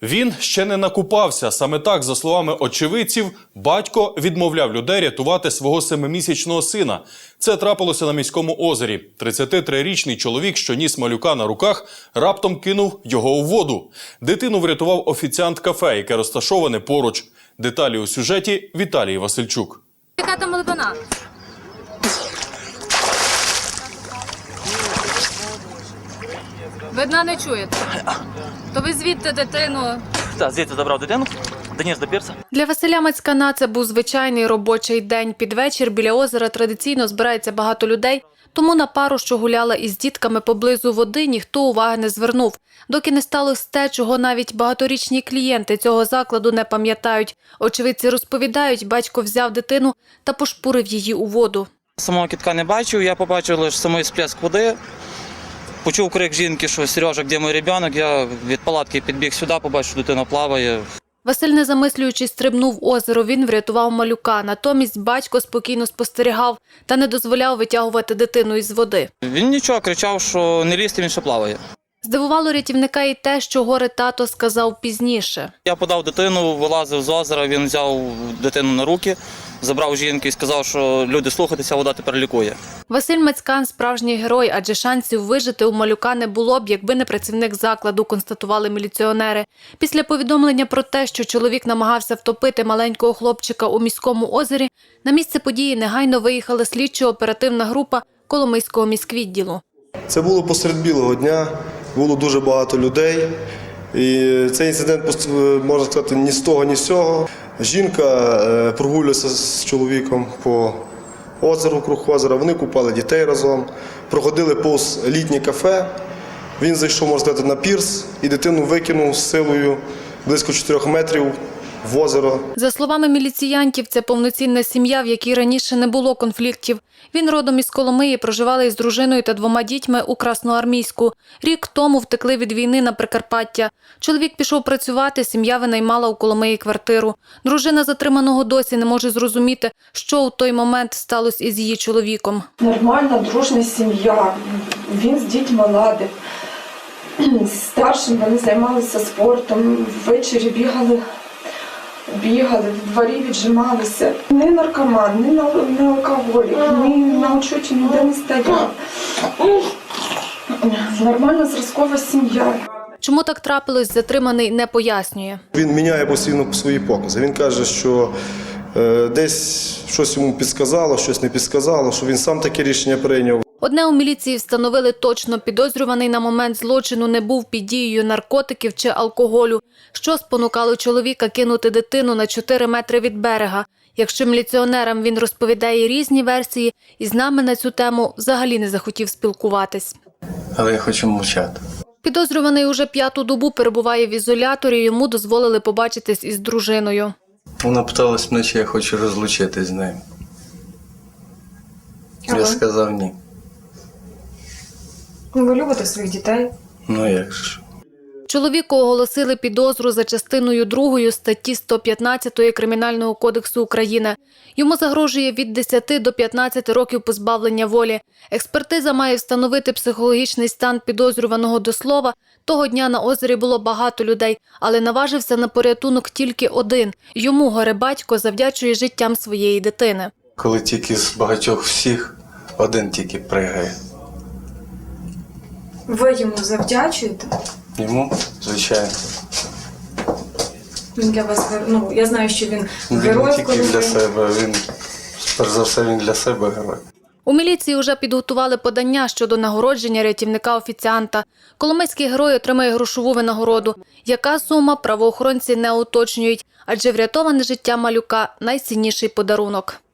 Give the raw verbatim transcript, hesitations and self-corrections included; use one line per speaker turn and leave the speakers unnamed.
Він ще не накупався. Саме так, за словами очевидців, батько відмовляв людей рятувати свого семимісячного сина. Це трапилося на міському озері. тридцятитрирічний чоловік, що ніс малюка на руках, раптом кинув його у воду. Дитину врятував офіціант кафе, яке розташоване поруч. Деталі у сюжеті Віталії Васильчук.
Яка там глибина? Ви дна не чуєте? То ви звідти дитину?
Так, звідти забрав дитину, доніс до пірса.
Для Василя Мацькана це був звичайний робочий день. Під вечір біля озера традиційно збирається багато людей, тому на пару, що гуляла із дітками поблизу води, ніхто уваги не звернув. Доки не сталося те, чого навіть багаторічні клієнти цього закладу не пам'ятають. Очевидці розповідають, батько взяв дитину та пошпурив її у воду.
Самого кітка не бачив, я побачив лише самий сплеск води. Почув крик жінки, що «Сережа, де мій дитина?» Я від палатки підбіг сюди, побачив, що дитина плаває.
Василь, не замислюючись, стрибнув в озеро. Він врятував малюка. Натомість батько спокійно спостерігав та не дозволяв витягувати дитину із води.
Він нічого, кричав, що не лізьте, він ще плаває.
Здивувало рятівника і те, що горе-тато сказав пізніше.
Я подав дитину, вилазив з озера, він взяв дитину на руки, забрав жінку і сказав, що люди, слухайтеся, вода тепер лікує.
Василь Мацькан – справжній герой, адже шансів вижити у малюка не було б, якби не працівник закладу, констатували міліціонери. Після повідомлення про те, що чоловік намагався втопити маленького хлопчика у міському озері, на місце події негайно виїхала слідчо-оперативна група Коломийського міськвідділу.
Це було посеред білого дня, було дуже багато людей. І цей інцидент, можна сказати, ні з того, ні з цього. Жінка прогулювалася з чоловіком по озеру, круг озера, вони купали дітей разом, проходили повз літнє кафе. Він зайшов, можна сказати, на пірс і дитину викинув з силою близько чотирьох метрів в озеро.
За словами міліціянтів, це повноцінна сім'я, в якій раніше не було конфліктів. Він родом із Коломиї, проживали із дружиною та двома дітьми у Красноармійську. Рік тому втекли від війни на Прикарпаття. Чоловік пішов працювати, сім'я винаймала у Коломиї квартиру. Дружина затриманого досі не може зрозуміти, що у той момент сталося із її чоловіком.
Нормальна, дружна сім'я. Він з дітьми ладив. Старшим вони займалися спортом, ввечері бігали. Бігали, в дворі віджималися. Ні наркоман, ні, на, ні алкоголік, ні на учоті ніде не стояв. Нормальна зразкова сім'я.
Чому так трапилось, затриманий не пояснює.
Він міняє постійно свої покази. Він каже, що е, десь щось йому підсказало, щось не підсказало, що він сам таке рішення прийняв.
Одне у міліції встановили точно, підозрюваний на момент злочину не був під дією наркотиків чи алкоголю, що спонукало чоловіка кинути дитину на чотири метри від берега. Якщо міліціонерам він розповідає різні версії, і з нами на цю тему взагалі не захотів спілкуватись.
Але я хочу мовчати.
Підозрюваний уже п'яту добу перебуває в ізоляторі, йому дозволили побачитись із дружиною.
Вона питалась мене, чи я хочу розлучитись з нею.
А
я
ви?
сказав ні.
Ви любите своїх дітей?
Ну як ж.
Чоловіку оголосили підозру за частиною другою статті сто п'ятнадцять Кримінального кодексу України. Йому загрожує від десяти до п'ятнадцяти років позбавлення волі. Експертиза має встановити психологічний стан підозрюваного до слова. Того дня на озері було багато людей, але наважився на порятунок тільки один. Йому горе-батько завдячує життям своєї дитини.
Коли тільки з багатьох всіх, один тільки пригає.
Ви йому завдячуєте?
Йому, звичайно.
Він для вас, ну, я знаю, що він
Він
герой.
не тільки для себе, він, перш за все, він для себе герой.
У міліції вже підготували подання щодо нагородження рятівника-офіціанта. Коломийський герой отримає грошову винагороду. Яка сума, правоохоронці не уточнюють, адже врятоване життя малюка – найцінніший подарунок.